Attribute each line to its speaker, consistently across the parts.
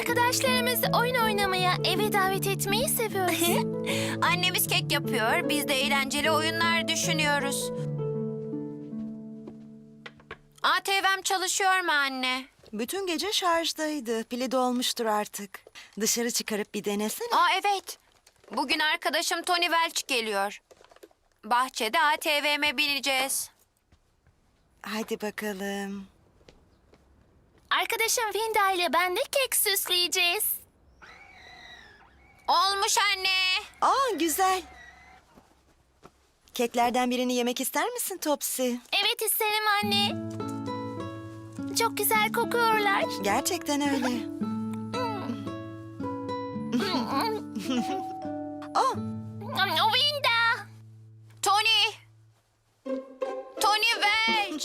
Speaker 1: Arkadaşlarımızı oyun oynamaya, eve davet etmeyi seviyoruz.
Speaker 2: Annemiz kek yapıyor, biz de eğlenceli oyunlar düşünüyoruz. ATV'm çalışıyor mu anne?
Speaker 3: Bütün gece şarjdaydı. Pili dolmuştur artık. Dışarı çıkarıp bir denesene.
Speaker 2: Evet. Bugün arkadaşım Tony Welch geliyor. Bahçede ATV'me bineceğiz.
Speaker 3: Hadi bakalım.
Speaker 1: Arkadaşım Winda ile ben de kek süsleyeceğiz.
Speaker 2: Olmuş anne.
Speaker 3: Aa, güzel. Keklerden birini yemek ister misin Topsy?
Speaker 1: Evet isterim anne. Çok güzel kokuyorlar.
Speaker 3: Gerçekten öyle. Oh,
Speaker 1: Winda!
Speaker 2: Tony. Tony Welch.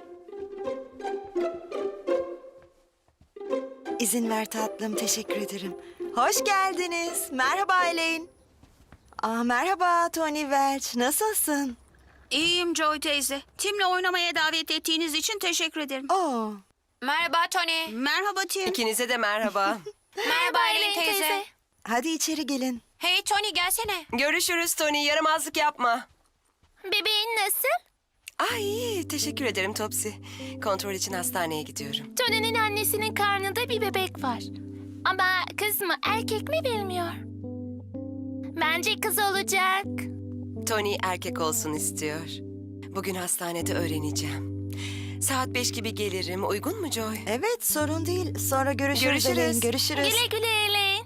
Speaker 3: izin ver tatlım. Teşekkür ederim. Hoş geldiniz. Merhaba Elaine. Merhaba Tony Welch. Nasılsın?
Speaker 4: İyiyim Joy teyze. Tim'le oynamaya davet ettiğiniz için teşekkür ederim.
Speaker 3: Oo,
Speaker 2: Merhaba Tony.
Speaker 4: Merhaba Tim.
Speaker 5: İkinize de merhaba.
Speaker 2: Merhaba Elaine teyze.
Speaker 3: hadi içeri gelin.
Speaker 2: Hey Tony gelsene.
Speaker 5: Görüşürüz Tony. Yaramazlık yapma.
Speaker 1: Bebeğin nasıl?
Speaker 5: İyi. Teşekkür ederim Topsy. Kontrol için hastaneye gidiyorum.
Speaker 1: Tony'nin annesinin karnında bir bebek var. Ama kız mı erkek mi bilmiyor. Bence kız olacak.
Speaker 5: Tony erkek olsun istiyor. Bugün hastanede öğreneceğim. Saat 5 gibi gelirim. Uygun mu Joy?
Speaker 3: Evet, sorun değil. Sonra görüşürüz.
Speaker 5: Görüşürüz.
Speaker 3: Elaine. Görüşürüz.
Speaker 1: Güle güle Elaine.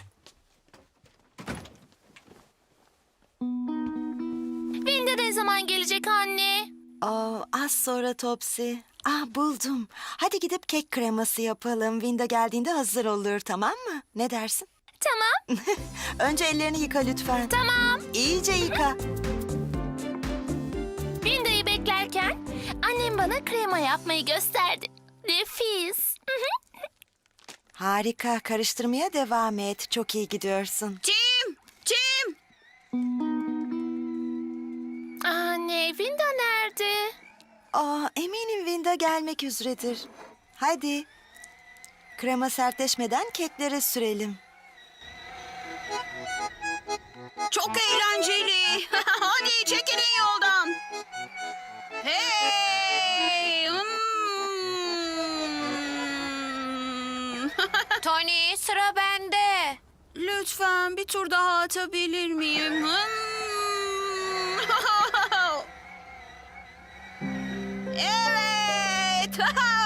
Speaker 1: Winda ne zaman gelecek anne?
Speaker 3: Az sonra Topsy. Buldum. Hadi gidip kek kreması yapalım. Winda geldiğinde hazır olur, tamam mı? Ne dersin?
Speaker 1: Tamam,
Speaker 3: Önce ellerini yıka lütfen.
Speaker 1: tamam.
Speaker 3: İyice yıka.
Speaker 1: Winda'yı beklerken annem bana krema yapmayı gösterdi. Nefis.
Speaker 3: Harika. Karıştırmaya devam et. Çok iyi gidiyorsun.
Speaker 4: Tim! Tim!
Speaker 1: Anne, Winda nerede?
Speaker 3: Eminim Winda gelmek üzeredir. Hadi. Krema sertleşmeden keklere sürelim.
Speaker 4: Çok eğlenceli. Hadi çekilin yoldan. Hey!
Speaker 2: Tony sıra bende.
Speaker 4: Lütfen bir tur daha atabilir miyim? Evet!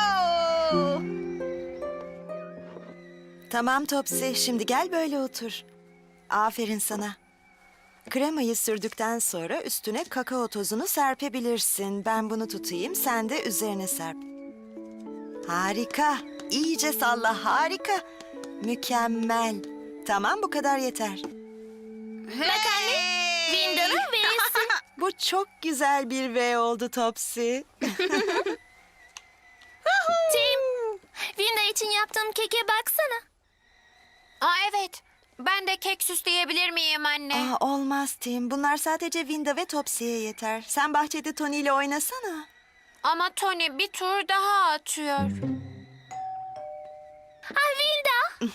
Speaker 3: Tamam Topsy. Şimdi gel böyle otur. Aferin sana. Kremayı sürdükten sonra üstüne kakao tozunu serpebilirsin. Ben bunu tutayım, sen de üzerine serp. Harika. İyice salla, harika. Mükemmel. Tamam, bu kadar yeter.
Speaker 1: Bak anne, Winda'nın V'si.
Speaker 3: Bu çok güzel bir V oldu Topsy.
Speaker 1: Tim, Winda için yaptığım keke baksana.
Speaker 2: Evet. Ben de kek süsleyebilir miyim anne?
Speaker 3: Olmaz Tim. Bunlar sadece Winda ve Topsy'ye yeter. Sen bahçede Tony ile oynasana.
Speaker 2: Ama Tony bir tur daha atıyor.
Speaker 1: Winda.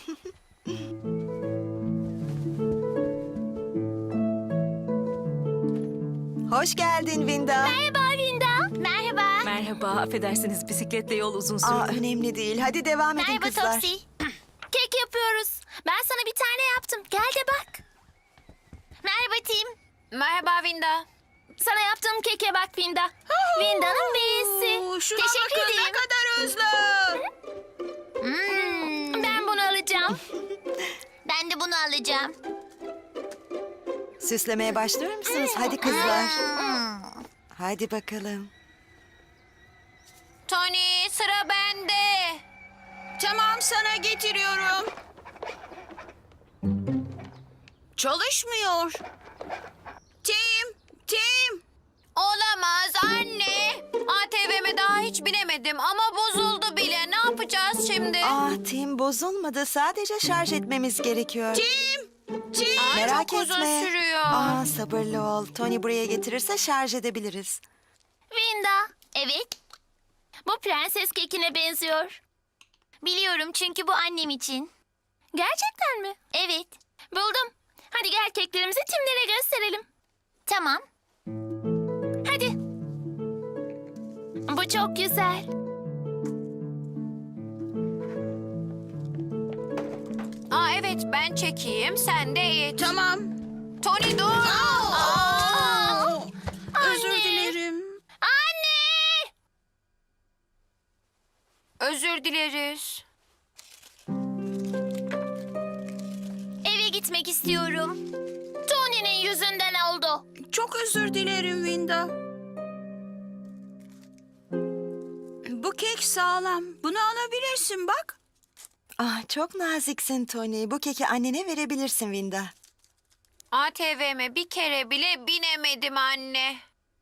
Speaker 3: Hoş geldin Winda.
Speaker 1: Merhaba Winda. Merhaba.
Speaker 6: Merhaba, affedersiniz bisikletle yol uzun sürdü.
Speaker 3: Önemli değil. Hadi devam edin
Speaker 1: Merhaba
Speaker 3: kızlar.
Speaker 1: Topsy. Kek yapıyoruz. Ben sana bir tane yaptım. Gel de bak. Merhaba Tim.
Speaker 2: Merhaba Winda.
Speaker 1: Sana yaptığım keke bak Winda. Winda'nın V'si.
Speaker 4: Şuna
Speaker 1: Teşekkür
Speaker 4: bakın, ne
Speaker 1: ederim.
Speaker 4: kadar hızlı.
Speaker 1: Ben bunu alacağım.
Speaker 7: Ben de bunu alacağım.
Speaker 3: Süslemeye başlıyor musunuz? Hadi kızlar. Hadi bakalım.
Speaker 2: Tony sıra bende.
Speaker 4: Tamam, sana getiriyorum. Çalışmıyor. Tim! Tim!
Speaker 2: Olamaz anne. ATV'me daha hiç binemedim ama bozuldu bile. Ne yapacağız şimdi?
Speaker 3: Tim bozulmadı. Sadece şarj etmemiz gerekiyor.
Speaker 4: Tim! Tim!
Speaker 3: Merak
Speaker 2: çok uzun
Speaker 3: etme.
Speaker 2: sürüyor.
Speaker 3: Sabırlı ol. Tony buraya getirirse şarj edebiliriz.
Speaker 1: Winda.
Speaker 7: Evet,
Speaker 1: Bu prenses kekine benziyor.
Speaker 7: biliyorum çünkü bu annem için.
Speaker 1: Gerçekten mi?
Speaker 7: Evet.
Speaker 1: Buldum. Hadi gel keklerimizi Tim'lere gösterelim.
Speaker 7: Tamam.
Speaker 1: Hadi. Bu çok güzel.
Speaker 2: Aa evet ben çekeyim sen de it.
Speaker 4: Tamam.
Speaker 2: Tony dur.
Speaker 4: Özür dilerim.
Speaker 1: Anne!
Speaker 2: Özür dileriz.
Speaker 7: Eve gitmek istiyorum.
Speaker 1: Tony'nin yüzünden oldu.
Speaker 4: Çok özür dilerim Winda. Bu kek sağlam. Bunu alabilirsin bak.
Speaker 3: Ah, çok naziksin Tony. Bu keki annene verebilirsin Winda.
Speaker 2: ATV'me bir kere bile binemedim anne.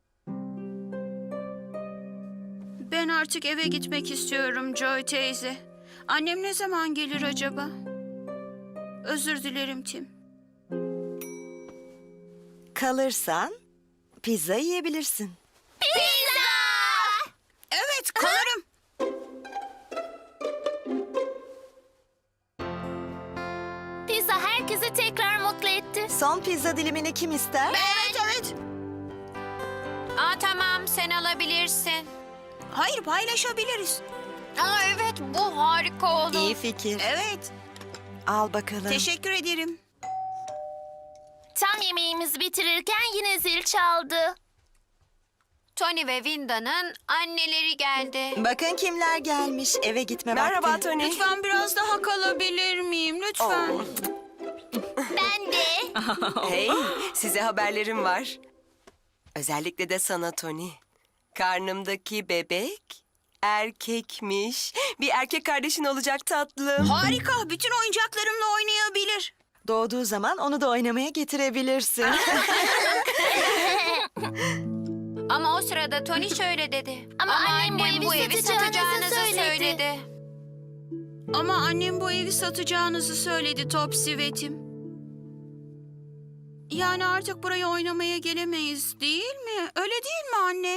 Speaker 4: Ben artık eve gitmek istiyorum Joy teyze. Annem ne zaman gelir acaba? Özür dilerim Tim.
Speaker 3: Kalırsan pizza yiyebilirsin.
Speaker 4: Evet kalırım.
Speaker 1: Pizza herkesi tekrar mutlu etti.
Speaker 3: Son pizza dilimini kim ister?
Speaker 4: Evet.
Speaker 2: Aa tamam sen alabilirsin.
Speaker 4: Hayır paylaşabiliriz.
Speaker 2: Aa evet bu harika oldu.
Speaker 3: İyi fikir.
Speaker 4: Evet.
Speaker 3: Al bakalım.
Speaker 4: Teşekkür ederim.
Speaker 1: Tam yemeğimizi bitirirken yine zil çaldı.
Speaker 2: Tony ve Winda'nın anneleri geldi.
Speaker 3: Bakın kimler gelmiş. Eve gitme
Speaker 5: Merhaba
Speaker 3: vakti.
Speaker 5: Tony.
Speaker 4: Lütfen biraz daha kalabilir miyim? Lütfen.
Speaker 5: Oo.
Speaker 7: Ben de.
Speaker 5: Hey, size haberlerim var. Özellikle de sana Tony. Karnımdaki bebek erkekmiş. Bir erkek kardeşin olacak tatlım.
Speaker 4: Harika. Bütün oyuncaklarımla oynayabilir.
Speaker 3: Doğduğu zaman onu da oynamaya getirebilirsin.
Speaker 2: Ama o sırada Tony şöyle dedi.
Speaker 1: Ama annem bu evi satacağınızı söyledi.
Speaker 2: söyledi.
Speaker 4: Ama annem bu evi satacağınızı söyledi Topsy ve Tim. Yani artık buraya oynamaya gelemeyiz değil mi? Öyle değil mi anne?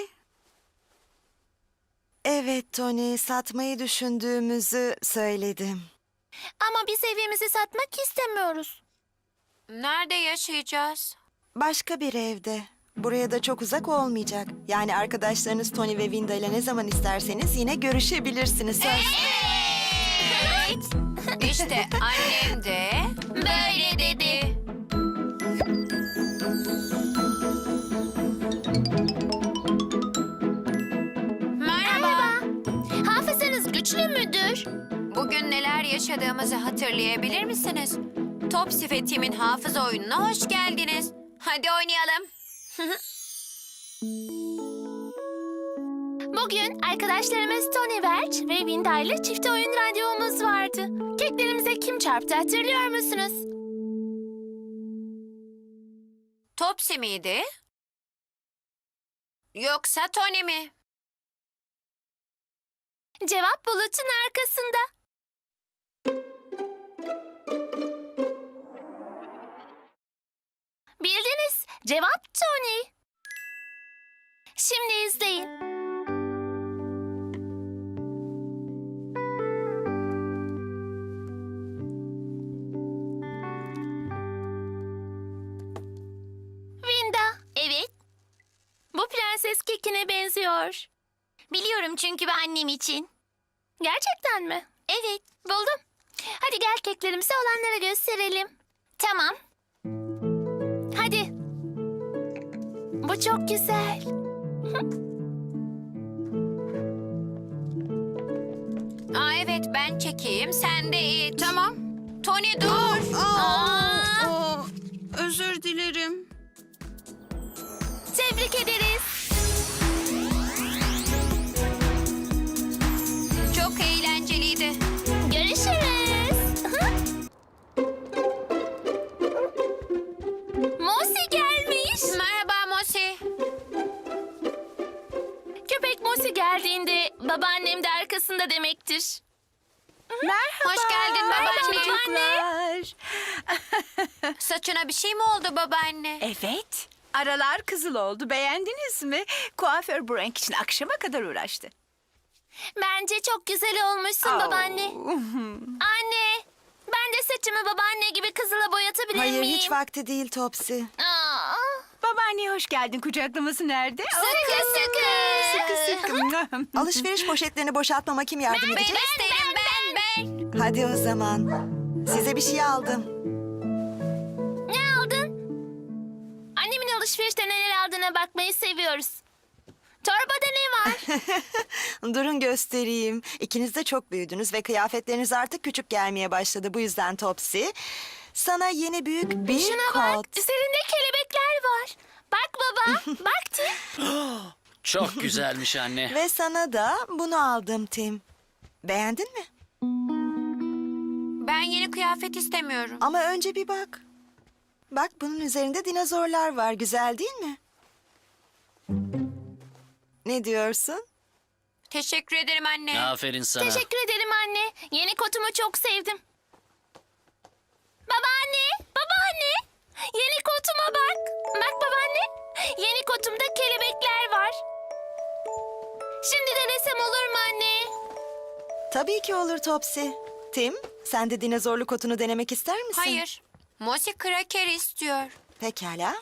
Speaker 3: Evet Tony, satmayı düşündüğümüzü söyledim.
Speaker 1: Ama biz evimizi satmak istemiyoruz.
Speaker 2: Nerede yaşayacağız?
Speaker 3: Başka bir evde. Buraya da çok uzak olmayacak. Yani arkadaşlarınız Tony ve Winda ile ne zaman isterseniz yine görüşebilirsiniz. Söz.
Speaker 2: İşte annem de
Speaker 1: Böyle dedi.
Speaker 2: merhaba.
Speaker 1: Hafızanız güçlü müdür?
Speaker 2: Bugün neler yaşadığımızı hatırlayabilir misiniz? Topsy ve Tim'in hafıza oyununa hoş geldiniz. Hadi oynayalım.
Speaker 1: Bugün arkadaşlarımız Tony Welch ve Winda ile çift oyun randevumuz vardı. Keklerimize kim çarptı hatırlıyor musunuz?
Speaker 2: Topsy miydi? Yoksa Tony mi?
Speaker 1: Cevap bulutun arkasında. Bildiniz. Cevap Tony. Şimdi izleyin. Winda,
Speaker 7: Evet.
Speaker 1: bu prenses kekine benziyor.
Speaker 7: Biliyorum çünkü ben annem için.
Speaker 1: Gerçekten mi?
Speaker 7: Evet.
Speaker 1: Buldum. Hadi gel keklerimizi olanlara gösterelim.
Speaker 7: Tamam.
Speaker 1: Hadi. Bu çok güzel.
Speaker 2: Aa evet ben çekeyim sen de it.
Speaker 4: Tamam.
Speaker 2: Tony dur.
Speaker 4: Özür dilerim.
Speaker 1: Tebrik ederiz.
Speaker 2: Çok eğlenceliydi.
Speaker 1: Görüşürüz. Mosi gelmiş.
Speaker 2: Merhaba Mosi.
Speaker 1: Köpek Mosi geldiğinde babaannem de arkasında demektir.
Speaker 2: Hoş geldin babaanne.
Speaker 1: Babaanne.
Speaker 2: Saçına bir şey mi oldu babaanne?
Speaker 8: Evet. Aralar kızıl oldu. Beğendiniz mi? Kuaför Brank için akşama kadar uğraştı.
Speaker 1: Bence çok güzel olmuşsun babaanne. Anne, ben de saçımı babaanne gibi kızıla boyatabilir
Speaker 3: Hayır,
Speaker 1: miyim?
Speaker 3: hiç vakti değil Topsy.
Speaker 1: Aa,
Speaker 8: Babaanneye hoş geldin. Kucaklaması nerede?
Speaker 1: sıkı sıkı.
Speaker 8: Sıkı.
Speaker 3: Alışveriş poşetlerini boşaltmama kim yardım edecek?
Speaker 2: İsterim ben.
Speaker 3: Hadi o zaman. Size bir şey aldım.
Speaker 1: Ne aldın? Annemin alışverişte neler aldığına bakmayı seviyoruz. Torbada ne var?
Speaker 3: Durun göstereyim. İkiniz de çok büyüdünüz ve kıyafetleriniz artık küçük gelmeye başladı. Bu yüzden Topsy, sana yeni büyük bir
Speaker 1: Şuna
Speaker 3: kot.
Speaker 1: bak, üzerinde kelebekler var. Bak baba, bak Tim.
Speaker 9: Çok güzelmiş anne.
Speaker 3: Ve sana da bunu aldım Tim. Beğendin mi?
Speaker 2: Ben yeni kıyafet istemiyorum.
Speaker 3: Ama önce bir bak. Bak, bunun üzerinde dinozorlar var. Güzel değil mi? Ne diyorsun?
Speaker 2: Teşekkür ederim anne.
Speaker 9: Aferin sana.
Speaker 1: Teşekkür ederim anne. Yeni kotumu çok sevdim. Babaanne, babaanne. Yeni kotuma bak. Bak babaanne. Yeni kotumda kelebekler var. Şimdi denesem olur mu anne?
Speaker 3: Tabii ki olur Topsy. Tim, sen de dinozorlu kotunu denemek ister misin?
Speaker 2: Hayır. Mosi kraker istiyor.
Speaker 3: Pekala.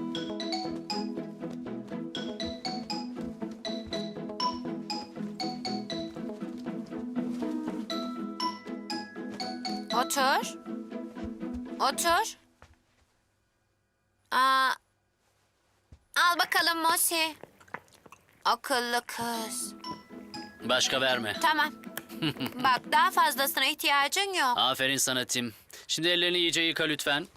Speaker 2: Otur. Otur. Aa, al bakalım Mosi. Akıllı kız.
Speaker 9: Başka verme.
Speaker 2: Tamam. Bak daha fazlasına ihtiyacın yok.
Speaker 9: Aferin sana Tim. Şimdi ellerini iyice yıka lütfen.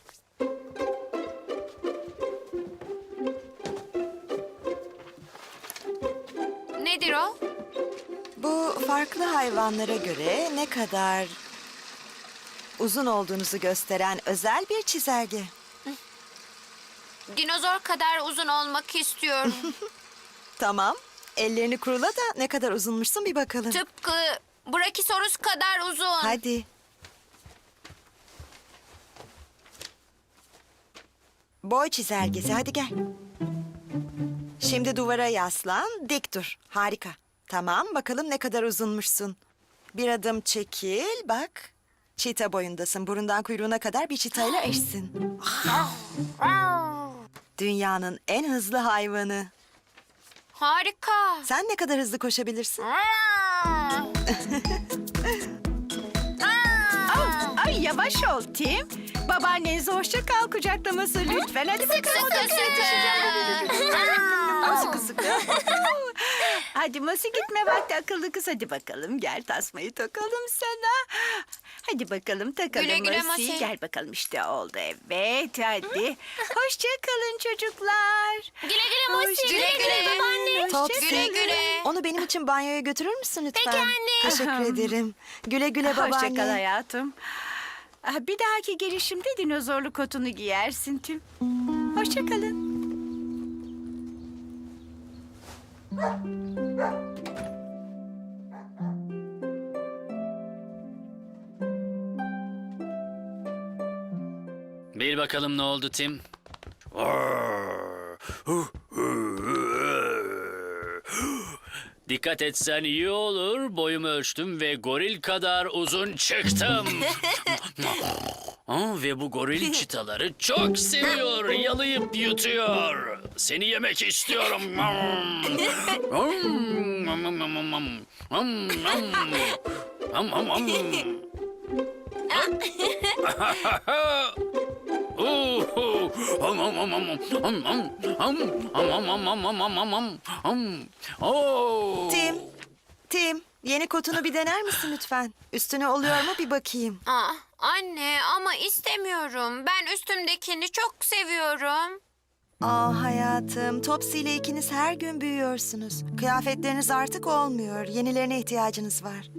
Speaker 2: Nedir o?
Speaker 3: Bu farklı hayvanlara göre ne kadar uzun olduğunuzu gösteren özel bir çizelge.
Speaker 2: Dinozor kadar uzun olmak istiyorum.
Speaker 3: Tamam. Ellerini kurula da ne kadar uzunmuşsun bir bakalım.
Speaker 2: Tıpkı Brachiosaurus kadar uzun.
Speaker 3: Hadi. Boy çizelgesi, hadi gel. Şimdi duvara yaslan, dik dur. Harika. Tamam, bakalım ne kadar uzunmuşsun. Bir adım çekil, bak. Çita boyundasın. Burundan kuyruğuna kadar bir çitayla eşsin. Dünyanın en hızlı hayvanı.
Speaker 2: Harika.
Speaker 3: Sen ne kadar hızlı koşabilirsin?
Speaker 8: Ay yavaş ol Tim. Babaannenize hoşça kal kucaklaması lütfen. Hadi bakalım. Sıkı sıkı. Hadi Mosi gitme vakti akıllı kız. Hadi bakalım gel tasmayı takalım sana. Hadi bakalım takalım
Speaker 2: Güle güle
Speaker 8: Mosi.
Speaker 2: Mosi.
Speaker 8: Gel bakalım işte oldu evet hadi. Hoşça kalın çocuklar.
Speaker 1: Güle güle Mosi.
Speaker 8: Hoşça
Speaker 1: Güle güle
Speaker 8: kalın.
Speaker 1: babaanne.
Speaker 3: Topsy,
Speaker 2: Güle güle.
Speaker 3: onu benim için banyoya götürür müsün lütfen?
Speaker 1: Peki anne.
Speaker 3: Teşekkür ederim. Güle güle babaanne.
Speaker 8: Hoşça kal hayatım. Bir dahaki gelişimde dinozorlu kotunu giyersin Tim. Hoşça kalın.
Speaker 9: Bil bakalım ne oldu Tim? Dikkat etsen iyi olur. Boyumu ölçtüm ve goril kadar uzun çıktım. Ve bu goril çitaları çok seviyor. Yalayıp yutuyor. Seni yemek istiyorum.
Speaker 3: Tim, yeni kotunu bir dener misin lütfen? Üstüne oluyor mu bir bakayım.
Speaker 2: Anne ama istemiyorum. Ben üstümdekini çok seviyorum.
Speaker 3: Hayatım, Topsy ile ikiniz her gün büyüyorsunuz. Kıyafetleriniz artık olmuyor. Yenilerine ihtiyacınız var.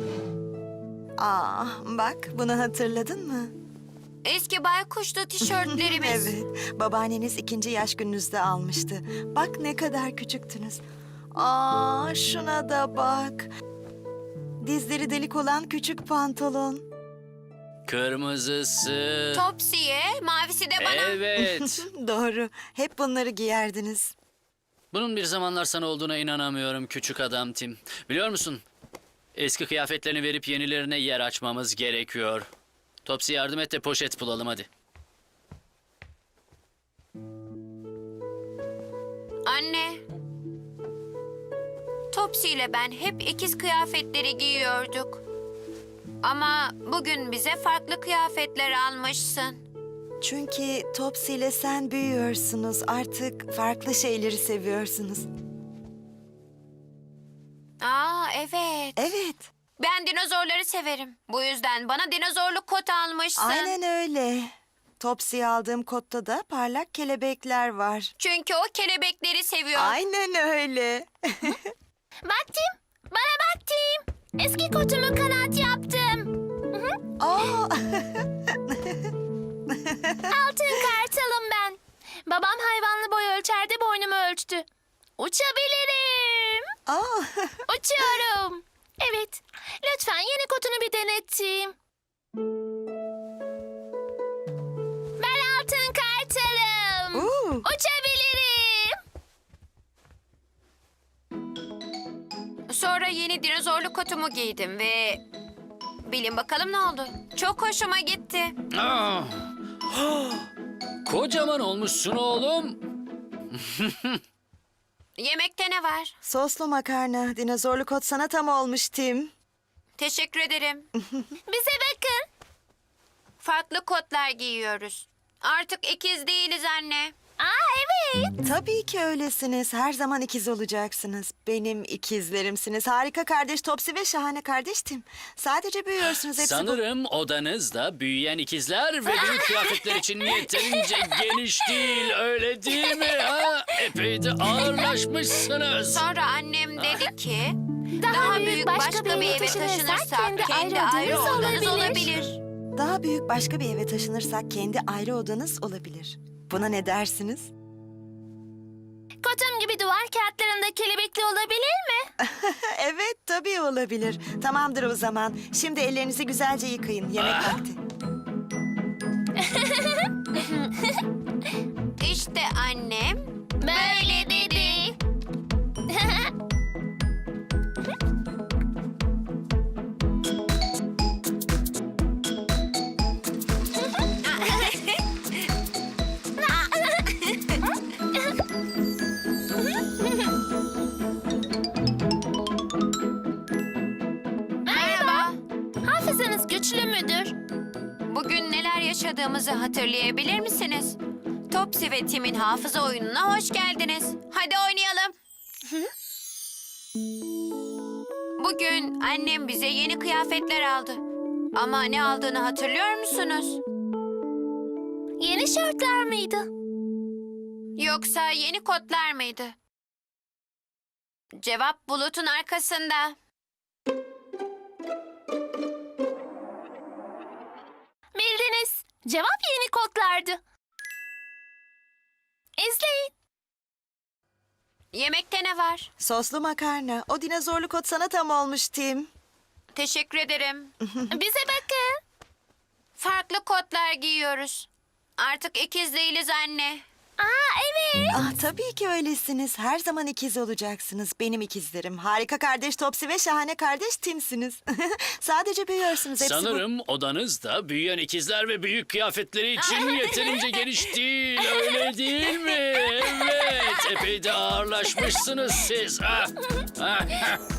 Speaker 3: Bak, bunu hatırladın mı?
Speaker 2: Eski baykuşlu tişörtlerimiz.
Speaker 3: Evet, babaanneniz 2. yaş gününüzde almıştı. Bak ne kadar küçüktünüz. Şuna da bak. Dizleri delik olan küçük pantolon.
Speaker 9: Kırmızısı.
Speaker 2: Topsy'ye, mavisi de bana.
Speaker 9: Evet.
Speaker 3: Doğru, hep bunları giyerdiniz.
Speaker 9: Bunun bir zamanlar sana olduğuna inanamıyorum küçük adam Tim. Biliyor musun? Eski kıyafetlerini verip yenilerine yer açmamız gerekiyor. Topsy yardım et de poşet bulalım hadi.
Speaker 2: Anne. Topsy ile ben hep ikiz kıyafetleri giyiyorduk. Ama bugün bize farklı kıyafetler almışsın.
Speaker 3: Çünkü Topsy ile sen büyüyorsunuz. Artık farklı şeyleri seviyorsunuz.
Speaker 2: Aa, evet.
Speaker 3: Evet,
Speaker 2: Ben dinozorları severim. Bu yüzden bana dinozorlu kot almışsın.
Speaker 3: aynen öyle. Topsy'ye aldığım kotta da parlak kelebekler var.
Speaker 2: Çünkü o kelebekleri seviyor.
Speaker 3: Aynen öyle.
Speaker 1: Bak Tim, bana bak Tim. Eski kotumu kanat yaptım.
Speaker 3: Aa,
Speaker 1: Altın kartalım ben. Babam hayvanlı boy ölçerde boynumu ölçtü. Uçabilirim.
Speaker 3: aa.
Speaker 1: Uçuyorum. Evet. Lütfen yeni kotunu bir deneteyim. Ben altın kartalım.
Speaker 3: Oo.
Speaker 1: Uçabilirim.
Speaker 2: Sonra yeni dinozorlu kotumu giydim ve... Bilin bakalım ne oldu? Çok hoşuma gitti.
Speaker 9: Ah! Kocaman olmuşsun oğlum.
Speaker 2: Yemekte ne var?
Speaker 3: Soslu makarna, dinozorlu kot sana tam olmuş Tim.
Speaker 2: Teşekkür ederim.
Speaker 1: Bize bakın.
Speaker 2: Farklı kotlar giyiyoruz. Artık ikiz değiliz anne.
Speaker 1: Aa evet.
Speaker 3: Tabii ki öylesiniz. Her zaman ikiz olacaksınız. Benim ikizlerimsiniz. Harika kardeş Topsy ve şahane kardeş Tim. Sadece büyüyorsunuz hepsi bu.
Speaker 9: Sanırım odanızda büyüyen ikizler ve büyük kıyafetler için yeterince geniş değil, öyle değil mi? Ha? Epey de ağırlaşmışsınız.
Speaker 2: Sonra annem dedi ki...
Speaker 1: Daha
Speaker 2: büyük başka bir eve taşınırsak kendi ayrı odanız olabilir.
Speaker 3: Daha büyük başka bir eve taşınırsak kendi ayrı odanız olabilir. Buna ne dersiniz?
Speaker 1: Kotum gibi duvar kağıtlarında kelebekli olabilir mi?
Speaker 3: Evet, tabii olabilir. Tamamdır o zaman. Şimdi ellerinizi güzelce yıkayın. Yemek vakti.
Speaker 2: İşte annem
Speaker 1: Böyle dedi.
Speaker 2: merhaba.
Speaker 1: Hafızanız güçlü müdür?
Speaker 2: Bugün neler yaşadığımızı hatırlayabilir misiniz? Topsy ve Tim'in hafıza oyununa hoş geldiniz. Hadi oynayalım. Bugün annem bize yeni kıyafetler aldı. Ama ne aldığını hatırlıyor musunuz?
Speaker 1: Yeni şortlar mıydı?
Speaker 2: Yoksa yeni kotlar mıydı? Cevap bulutun arkasında.
Speaker 1: Bildiniz. Cevap yeni kodlardı. İzleyin.
Speaker 2: Yemekte ne var?
Speaker 3: Soslu makarna. O dinozorlu kot sana tam olmuş Tim.
Speaker 2: Teşekkür ederim.
Speaker 1: Bize bakın.
Speaker 2: Farklı kotlar giyiyoruz. Artık ikiz değiliz anne.
Speaker 1: Aa evet.
Speaker 3: Ah, tabii ki öylesiniz. Her zaman ikiz olacaksınız. Benim ikizlerim. Harika kardeş Topsy ve şahane kardeş Tim'siniz. Sadece büyüyorsunuz hepsi bu.
Speaker 9: Sanırım odanızda büyüyen ikizler ve büyük kıyafetleri için yeterince geniş değil, öyle değil mi? Evet, epey de ağırlaşmışsınız siz. Ha? Ha?